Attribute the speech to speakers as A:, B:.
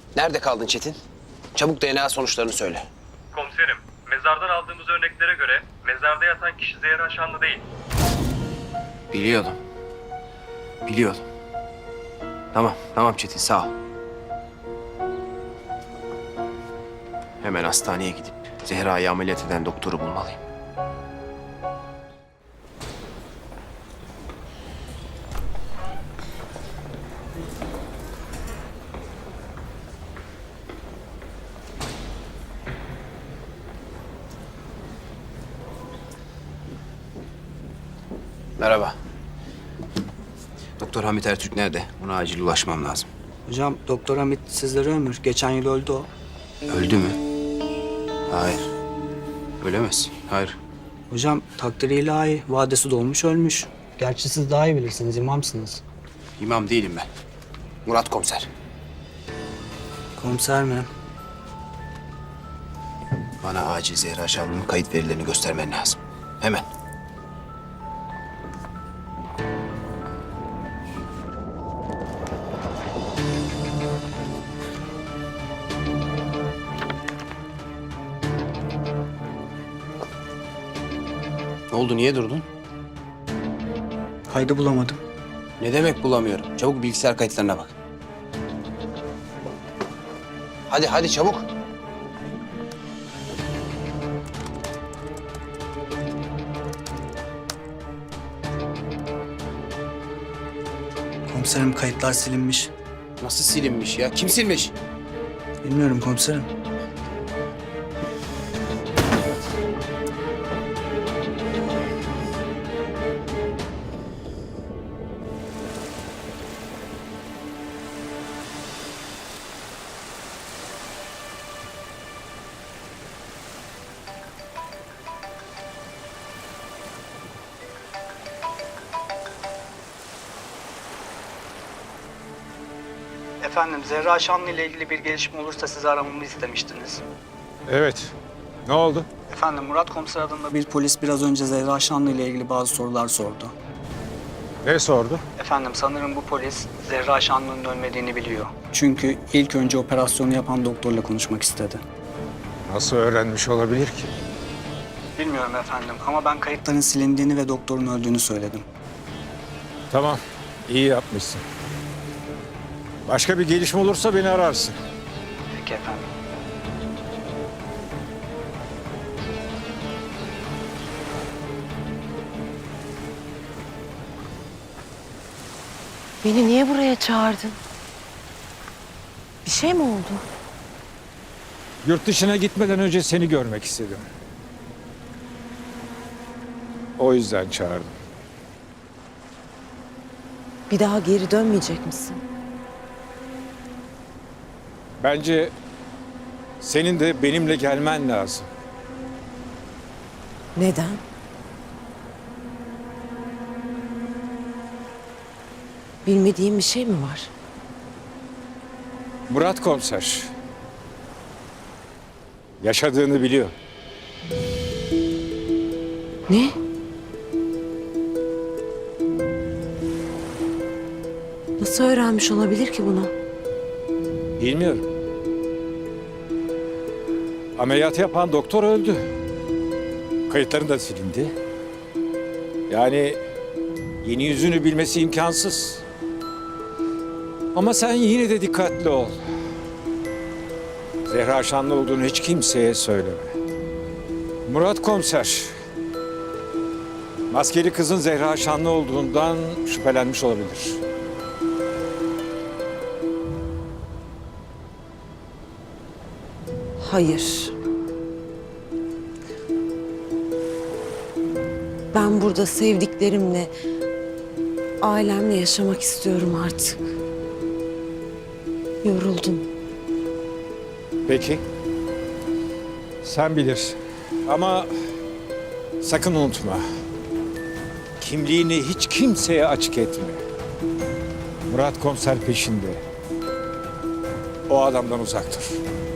A: Nerede kaldın Çetin? Çabuk DNA sonuçlarını söyle.
B: Komiserim, mezardan aldığımız örneklere göre mezarda yatan kişi Zehra Şanlı değil.
A: Biliyordum. Biliyordum. Tamam Çetin, sağ ol. Hemen hastaneye gidip Zehra'yı ameliyat eden doktoru bulmalıyım. Merhaba. Doktor Hamit Ertürk nerede? Ona acil ulaşmam lazım.
C: Hocam Doktor Hamit sizlere ömür. Geçen yıl öldü o.
A: Öldü mü? Hayır. Ölemez. Hayır.
C: Hocam takdiri ilahi. Vadesi dolmuş ölmüş. Gerçi siz daha iyi bilirsiniz. İmamsınız.
A: İmam değilim ben. Murat komiser.
C: Komiser mi?
A: Bana acil Zehra Şanlı'nın kayıt verilerini göstermen lazım. Hemen. Ne oldu? Niye durdun?
C: Kaydı bulamadım.
A: Ne demek bulamıyorum? Çabuk bilgisayar kayıtlarına bak. Hadi çabuk.
C: Komiserim kayıtlar silinmiş.
A: Nasıl silinmiş ya? Kim silmiş?
C: Bilmiyorum komiserim. Efendim Zehra Şanlı ile ilgili bir gelişme olursa sizi aramamı istemiştiniz.
D: Evet. Ne oldu?
C: Efendim Murat Komiser adında bir polis biraz önce Zehra Şanlı ile ilgili bazı sorular sordu.
D: Ne sordu?
C: Efendim sanırım bu polis Zehra Şanlı'nın ölmediğini biliyor. Çünkü ilk önce operasyonu yapan doktorla konuşmak istedi.
D: Nasıl öğrenmiş olabilir ki?
C: Bilmiyorum efendim ama ben kayıtların silindiğini ve doktorun öldüğünü söyledim.
D: Tamam. İyi yapmışsın. Başka bir gelişme olursa beni ararsın.
C: Peki efendim.
E: Beni niye buraya çağırdın? Bir şey mi oldu?
D: Yurt dışına gitmeden önce seni görmek istedim. O yüzden çağırdım.
E: Bir daha geri dönmeyecek misin?
D: Bence senin de benimle gelmen lazım.
E: Neden? Bilmediğim bir şey mi var?
D: Murat Komiser yaşadığını biliyor.
E: Ne? Nasıl öğrenmiş olabilir ki bunu?
D: Bilmiyorum. Ameliyat yapan doktor öldü. Kayıtların da silindi. Yani yeni yüzünü bilmesi imkansız. Ama sen yine de dikkatli ol. Zehra Şanlı olduğunu hiç kimseye söyleme. Murat Komiser, maskeli kızın Zehra Şanlı olduğundan şüphelenmiş olabilir.
E: Hayır. Ben burada sevdiklerimle, ailemle yaşamak istiyorum artık. Yoruldum.
D: Peki. Sen bilirsin. Ama sakın unutma. Kimliğini hiç kimseye açık etme. Murat Komiser peşinde. O adamdan uzak dur.